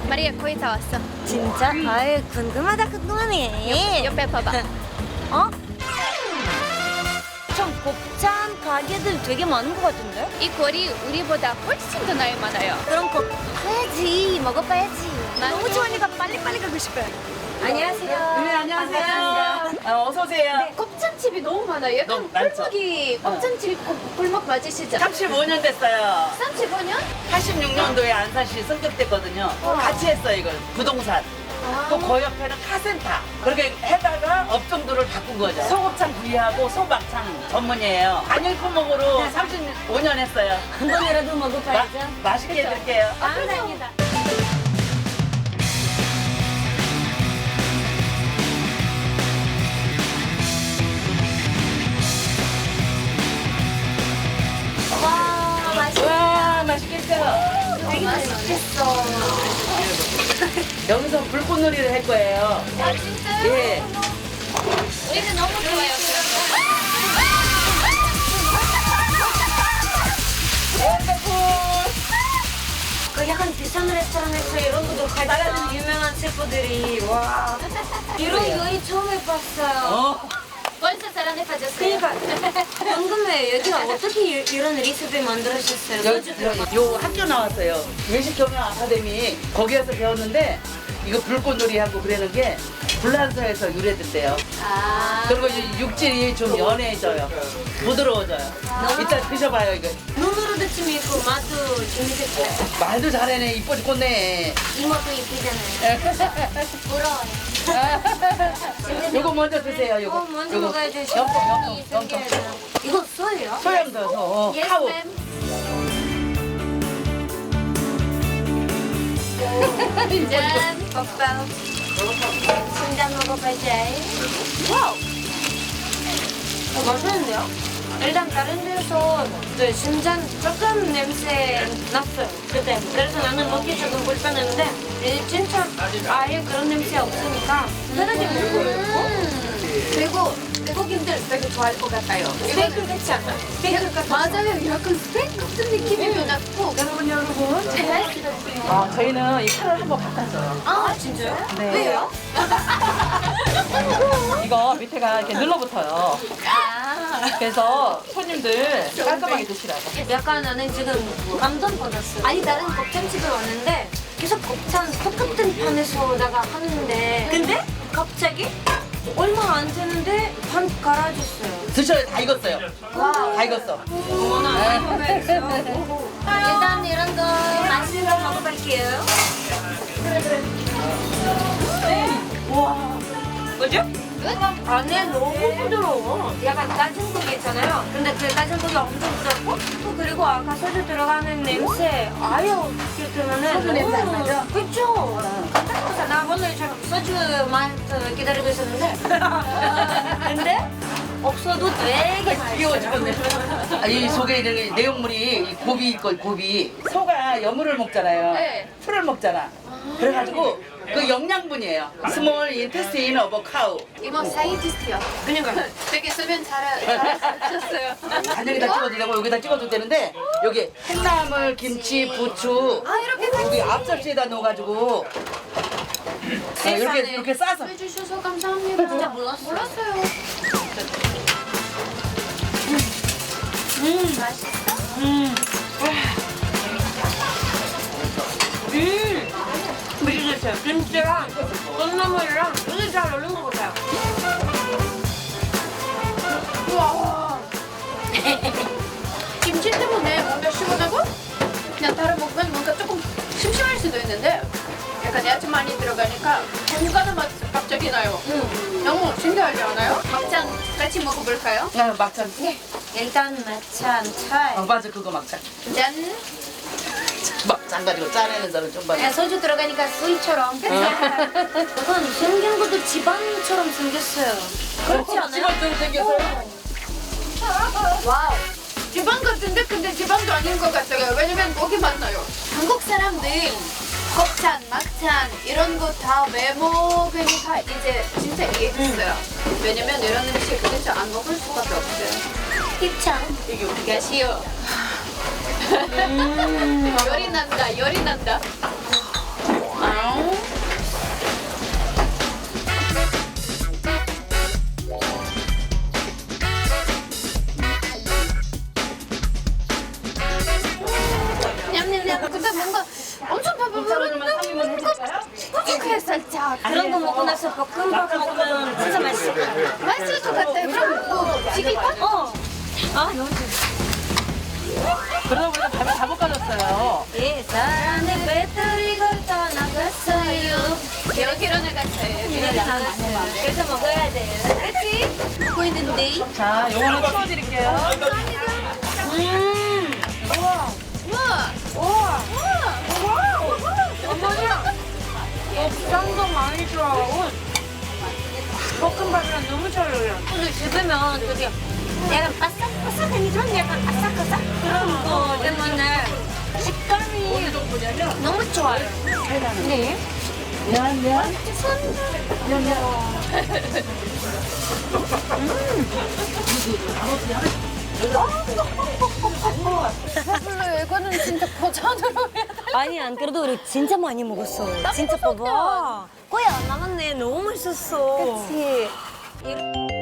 마리아 거의 다 왔어. 진짜? 아유 궁금하네. 옆에 봐봐. 어? 좀 곱창 가게들 되게 많은 것 같은데? 이 거리 우리보다 훨씬 더 나이 많아요. 그럼 꼭 가야지. 먹어봐야지. 맞아. 너무 좋아하니까 빨리빨리 가고 싶어요. 안녕하세요. 네, 안녕하세요. 어서 오세요. 곱창집이 너무 많아요. 약간 너무 많죠? 골목이 곱창집 골목 맞으시죠? 35년 됐어요. 35년? 86년도에 안산시 승급됐거든요. 같이 했어요, 이걸. 부동산. 또 그 옆에는 카센터. 그렇게 해다가 업종들을 바꾼 거죠. 소곱창 구이하고 소막창 전문이에요. 안일코목으로 35년 했어요. 한 번이라도 먹어봐야죠. 맛있게 해드릴게요. 감사합니다. 와, 맛있어. 와, 맛있겠죠? 되게 맛있겠어. 여기서 불꽃놀이를 할 거예요. 아 진짜요? 예. 우리는 너무 좋아요. 그 약간 비싼 레스토랑에서 이런 것도 가져가는 유명한 셰프들이 와 이런 요리 처음 해봤어요. 벌써 사랑에 빠졌어요. 그러니까 궁금해요. 여기가 어떻게 이런 레시피 만들어주셨어요? 요 학교 나왔어요. 외식경영 아카데미 거기에서 배웠는데 이거 불꽃놀이 하고 그러는 게 불란서에서 유래됐대요. 아. 그리고 이 육질이 좀 연해져요. 부드러워져요. 이따 드셔봐요 이거. 눈으로도 재미있고 맛도 재밌겠어요. 말도 잘해네. 이뻐 죽겠네. 이모도 이쁘잖아요. 부러워요. 요거 먼저 드세요. 요거. 먼저 요거. 먹어야죠. 염통. 이거 소예요? 소염 넣어서 Yes, 카우. ma'am. 짠. 먹방. 순잔 먹어봐야지. 와우. 맛있는데요? 일단 다른 데서 네, 순잔 조금 냄새 났어요. 그때. 그래서 나는 먹기 조금 불편했는데 진짜 아예 그런 냄새 없으니까 편하게 먹어요. 그리고 외국인들 되게 좋아할 것 같아요. 스테이크 같지 않아? 스테이크 같아. 맞아요. 약간 스테이크 같은 느낌이 났고. 여러분. 저희는 이 칼을 한번 바꿨어요. 아 진짜요? 네. 왜요? 이거 밑에가 이렇게 눌러붙어요. 아. 그래서 손님들 깔끔하게 드시라고. 약간 나는 지금 감동받았어요. 아니 다른 곱창집에 왔는데 계속 곱창 똑같은 판에서다가 하는데 근데 갑자기 얼마 안 되는데 반 갈아줬어요. 드셔요. 다 익었어요. 와우. 다 익었어. 어머나 일단 이런 거 맛있는 거 먹어볼게요. 와 뭐죠? 안에 너무 부드러워. 약간 까진 고기 있잖아요. 근데 그 까진 고기 엄청 부드럽고 또 그리고 아까 소주 들어가는 냄새 아예 어떻게 들으면은 소주 냄새 안 나죠? 그쵸? 나 오늘처럼 소주 맛 기다리고 있었는데 근데 없어도 되게 귀여워 죽겠네. 이 속에 이렇게 내용물이 이 고비 있고 고비. 소가 여물을 먹잖아요. 네. 풀을 먹잖아. 그래가지고 그 영양분이에요. 스몰 인테스틴 오브 카우. 이모 사이언티스트요. 그러니까 되게 수면 잘하셨어요. 간장에다 찍어도 되고 여기다 찍어도 되는데 여기 콩나물, 김치, 부추 여기 앞접시에다 넣어가지고 이렇게 싸서 해주셔서 감사합니다. 진짜 몰랐어요. 몰랐어요. 맛있었어요. 김치랑 콩나물이랑 되게 잘 어울린 것 같아요. 우와. 김치 때문에 뭔가 시원하고 그냥 다른 먹으면 뭔가 조금 심심할 수도 있는데 약간 야채 많이 들어가니까 건강한 맛 갑자기 나요. 너무 신기하지 않아요? 막장 같이 먹어볼까요? 막창. 일단 마찬 차이. 맞아 그거 막창. 짠. 막창 가지고 짜내는 사람 좀 봐. 야, 소주 들어가니까 수이처럼. 약간 생긴 것도 지방처럼 생겼어요. 그렇지 않아요? 집어좀 생겼어요. 와우. 지방 같은데 근데 지방도 아닌 것 같아요. 왜냐면 고기 맛나요. 한국 사람들 곱창, 막창 이런 거 다 왜 먹으니까 이제 진짜 이해했어요. 왜냐면 이런 음식 그래서 안 먹을 수밖에 없어요. 입창. 이게 우리가 쉬워. 열이 난다, 열이 난다. 아, 근데 뭔가 엄청 배부른데 꾸덕해 살짝. 그런 거 먹고 나서 볶음밥 먹으면 진짜 맛있을 것 같아. 맛있을 것 같아. 그럼 뭐 튀길까? 어. 아, 너무 좋아. 그러다 보니까 밥을 다 볶아줬어요. 이 사람의 배터리가 떠나갔어요. 여기로 나갔어요. 그래서 먹어야 돼요. 그렇지? 먹고 있는데. 자, 요거는 치워드릴게요. 우와. 우와. 어머니야. 옥상도 많이 들어가고 볶음밥이랑 너무 잘 어울려. 오늘 집으면 되게 약간 바삭바삭하니지만 약간 아삭아삭 그런 거 때문에 식감이 너무 좋아요. 네. 미안. 배불러요. 이거는 진짜 버전으로 해야 돼. 아니 안 그래도 우리 진짜 많이 먹었어. 진짜 봐봐. 거의 안 남았네. 너무 맛있었어. 그치.